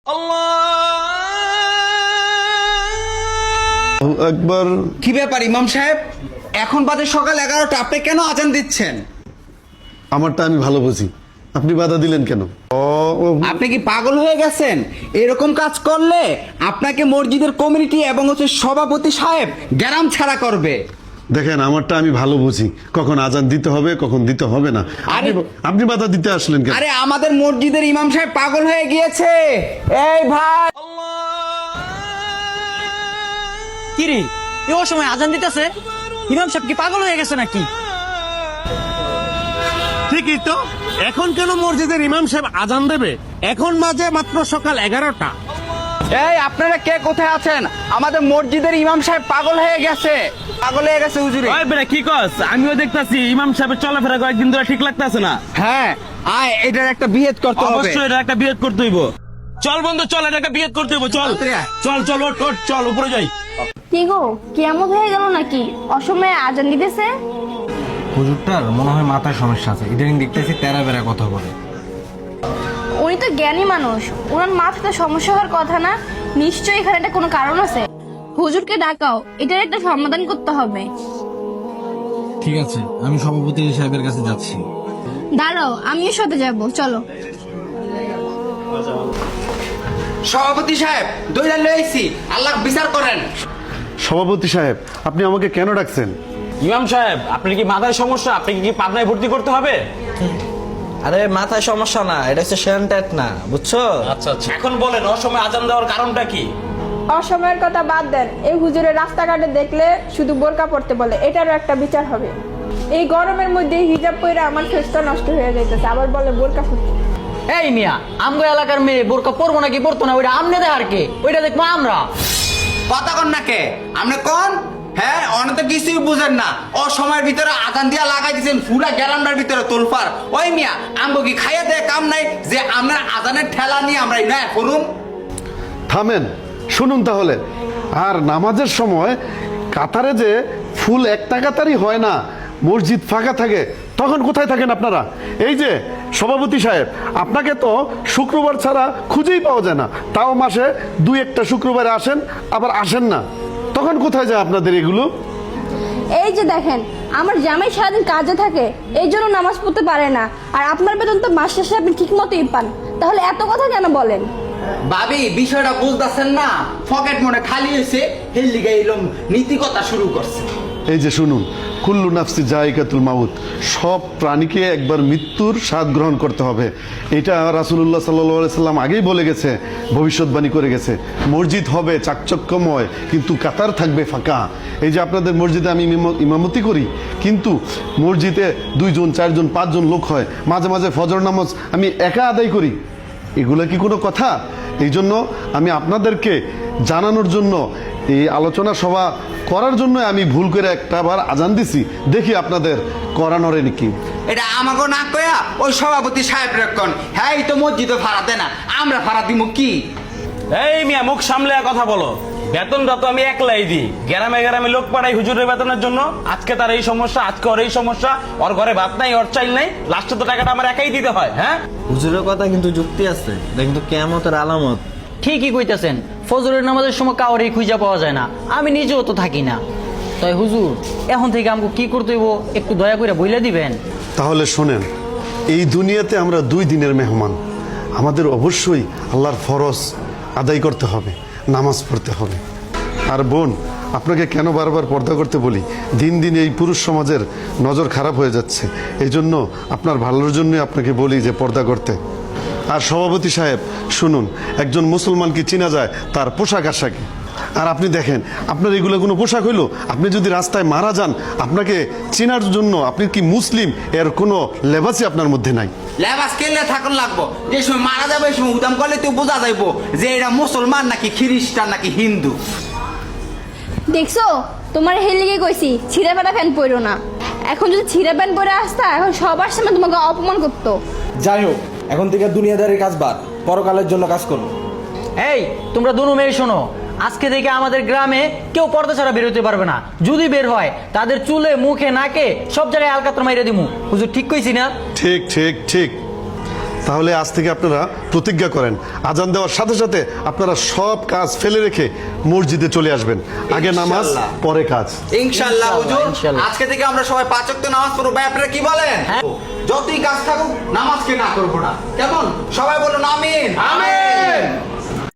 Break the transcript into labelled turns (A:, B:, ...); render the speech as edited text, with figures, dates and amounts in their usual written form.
A: একবার
B: কি ব্যাপার ইমাম সাহেব, এখন বাজে সকাল 11টা, আপনি কেন আজান দিচ্ছেন?
A: আমারটা আমি ভালো বুঝি, আপনি বাধা দিলেন কেন?
B: আপনি কি পাগল হয়ে গেছেন? এরকম কাজ করলে আপনাকে মসজিদের কমিটি এবং সভাপতি সাহেব গ্রাম ছাড়া করবে।
A: দেখেন, আমারটা আমি ভালো বুঝি, কখন আজান দিতে হবে কখন দিতে হবে না। আপনি বাধা দিতে আসলেন কেন?
B: আরে আমাদের মসজিদের ইমাম সাহেব পাগল হয়ে গিয়েছে। এই ভাই,
C: কি রে, এই সময় আজান দিতেছে? ইমাম সাহেব কি পাগল হয়ে গেছে নাকি?
D: ঠিকই তো, এখন কেন মসজিদের ইমাম সাহেব আজান দেবে? এখন বাজে মাত্র সকাল 11টা।
B: এই আপনারা কে কোথায় আছেন? আমাদের মসজিদের ইমাম সাহেব পাগল হয়ে গেছে, পাগল হয়ে গেছে হুজুরে।
E: ওই বেটা কি কস? আমিও দেখতাছি ইমাম সাহেবের চলাফেরা কয়েকদিন ধরে ঠিক লাগতাছে না।
B: হ্যাঁ, আয় এটার একটা বিহেদ করতে হবে।
E: অবশ্যই এটা একটা বিয়েত করতে হইব। চল বন্ধু চল, এটা একটা বিয়েত করতে হইব। চল চল চল, ওঠ ওঠ, চল উপরে যাই।
F: কি গো, কেমন হয়ে গেল নাকি? অসময়ে আজান দিতেছে।
G: হুজুরটার মনে হয় মাথায় সমস্যা আছে, ইদানিং দেখতেছি তেরা বেড়া কথা বলে।
F: উনি তো জ্ঞানী মানুষ, ওনার মাথাতে সমস্যা হওয়ার কথা না। নিশ্চয়ই এখানে একটা কোনো কারণ আছে। হুজুরকে ডাকাও, এটার একটা সমাধান করতে হবে।
G: ঠিক আছে, আমি সভাপতি সাহেবের কাছে যাচ্ছি।
F: দাঁড়াও, আমিও সাথে যাব, চলো।
B: সভাপতি সাহেব দইলা লইছি, আল্লাহ বিচার করেন।
A: সভাপতি সাহেব, আপনি আমাকে কেন ডাকছেন?
E: ইমাম সাহেব, আপনার কি মাথায় সমস্যা? আপনি কি পাবনায় ভর্তি করতে হবে?
C: আরে মাথায় সমস্যা না, এটা হচ্ছে সেন্টেট না, বুঝছো?
E: আচ্ছা আচ্ছা, এখন বলেন অসময়ে আজান দেওয়ার কারণটা কি?
H: অসময়ের কথা বাদ দেন, এই হুজুরের রাস্তাঘাটে দেখলে শুধু বোরকা পড়তে বলে, এটারও একটা বিচার হবে। এই গরমের মধ্যে হিজাব পরে আমার ফেসটা নষ্ট হয়ে যাইতেছে, আবার বলে বোরকা পড়তে।
C: এই মিয়া, আমগো এলাকার মেয়ে বোরকা পরবো নাকি পরতো না ওইটা আমনে দেখার কে? ওইটা দেখবো আমরা।
B: কথা কন না কে? আপনি কোন? হ্যাঁ, অনেক তো কিছুই বুঝেন না। সময়ের ভিতরে আজান দিয়া লাগাই দিচ্ছেন পুরা গ্যারান্ডার ভিতরে তোলফার। ওই মিয়া, আমগো কি খাইয়া দেয় কাম নাই যে আমরা আজানের ঠেলা নিয়ে আমরা না করুন?
A: থামেন, শুনুন তাহলে। আর নামাজের সময় কাতারে যে ফুল একটা কাতারই হয় না, মসজিদ ফাঁকা থাকে, তখন কোথায় থাকেন আপনারা? এই যে সভাপতি সাহেব, আপনাকে তো শুক্রবার ছাড়া খুঁজেই পাওয়া যায় না। তাও মাসে 2-1টা শুক্রবারে আসেন, আবার আসেন না। তখন কোথায় যায় আপনাদের এগুলো?
F: এই যে দেখেন, আমার জামাই সারাদিন কাজে থাকে, এই জন্য নামাজ পড়তে পারে না। আর আপনার বেতন তো মাস শেষে আপনি ঠিক মতোই পান, তাহলে এত কথা কেন বলেন?
B: ভাবি, বিষয়টা বুঝতেছেন না? পকেট মনে খালি হয়েছে, হেললিগে এলম নীতি কথা শুরু করছে।
A: এই যে শুনুন, কুল্লু নাফসি জায়গাতুল মাউত, সব প্রাণীকে একবার মৃত্যুর স্বাদ গ্রহণ করতে হবে। এটা রাসূলুল্লাহ সাল্লাল্লাহু আলাইহি সাল্লাম আগেই বলে গেছে, ভবিষ্যৎবাণী করে গেছে। মসজিদ হবে চাকচক্যময়, কিন্তু কাতার থাকবে ফাঁকা। এই যে আপনাদের মসজিদে আমি ইমামতি করি, কিন্তু মসজিদে 2 জন 4 জন 5 জন লোক হয়, মাঝে মাঝে ফজর নামাজ আমি একা আদায় করি। এগুলো কি কোনো কথা? এই জন্য আমি আপনাদেরকে জানানোর জন্য, এই আলোচনা সভা করার জন্য আমি ভুল করে একটাবার আজান দিছি, দেখি আপনাদের করানোরে নাকি।
B: এটা আমাকে না কয়া ওই সভাপতি সাহেব রেকন। হ্যাঁ, এই তো মসজিদে ভাড়া দেয় না, আমরা ভাড়া দিব কি?
E: এই মিয়া, মুখ সামলে কথা বলো। বেতনটা তো আমি একলাই দিই, গ্রামে গ্রামে লোক পাঠাই হুজুরের বেতনের জন্য। আজকে তার এই সমস্যা, আজকে ওর এই সমস্যা, ওর ঘরে ভাত নাই, ওর চাইল নাই, লাস্টে তো টাকাটা আমার একাই দিতে হয়। হ্যাঁ,
G: হুজুরের কথা কিন্তু যুক্তি আছে, এটা কিন্তু কিয়ামতের আলামত।
C: ঠিকই কইতেছেন, ফজরের নামাজের সময় কাউরেই খুঁজে পাওয়া যায় না, আমি নিজেও তো থাকি না। তাই হুজুর, এখন থেকে আমাকে কি করতে হইব একটু দয়া করে বইলে দিবেন।
A: তাহলে শোনেন, এই দুনিয়াতে আমরা 2 দিনের মেহমান। আমাদের অবশ্যই আল্লাহর ফরজ আদায় করতে হবে, নামাজ পড়তে হবে। আর বোন, আপনাকে কেন বারবার পর্দা করতে বলি? দিন দিন এই পুরুষ সমাজের নজর খারাপ হয়ে যাচ্ছে, এই জন্য আপনার ভালোর জন্য আপনাকে বলি যে পর্দা করতে। আর সভাপতি সাহেব শুনুন, একজন মুসলমানকে চেনা যায় তার পোশাক আশাকে। আর আপনি দেখেন, আপনার এগুলো কোনো পোশাক হইলো? আপনি যদি রাস্তায় মারা যান, আপনাকে চেনার জন্য আপনি কি মুসলিম এর কোনো লেবাসই আপনার মধ্যে নাই।
B: লেবাস কেলে থাকুন লাগবো, যে সময় মারা যাবে এই সময় উদাম করলে তো বোঝা যাইবো যে এটা মুসলমান নাকি খ্রিস্টান নাকি হিন্দু।
F: দেখছো, তোমার হেলিগে কইছি ছিঁড়া ফেটা প্যান্ট পরো না। এখন যদি ছিঁড়া প্যান্ট পরে আসতা, এখন সবার সামনে তোমাকে অপমান করতো।
G: যাই হোক, এখন থেকে দুনিয়াদারির কাজ বাদ, পরকালের জন্য কাজ করো।
C: এই তোমরা দুনো মেয়ে শোনো, আজকে থেকে আমাদের গ্রামে কেউ পর্দা ছাড়া বের হতে পারবে না। যদি বের হয় তাদের চুলে মুখে নাকে সব জায়গায় আলকাতরা মাইরে দিমু। হুজুর ঠিক কইছি না?
A: ঠিক ঠিক ঠিক। তাহলে আজ থেকে আপনারা প্রতিজ্ঞা করেন, আজান দেওয়ার সাথে সাথে আপনারা সব কাজ ফেলে রেখে মসজিদে চলে আসবেন। আগে নামাজ,
B: ইনশাআল্লাহ।
A: পরে কাজ।
B: ইনশাআল্লাহ হুজুর,
C: ইনশাআল্লাহ।
B: আজকে থেকে আমরা সবাই 5 ওয়াক্ত নামাজ পড়বো। ভাই আপনারা কি বলেন? যতই কাজ থাকুক নামাজকে না করবো না, কেমন? সবাই বলুন আমিন।
E: আমিন।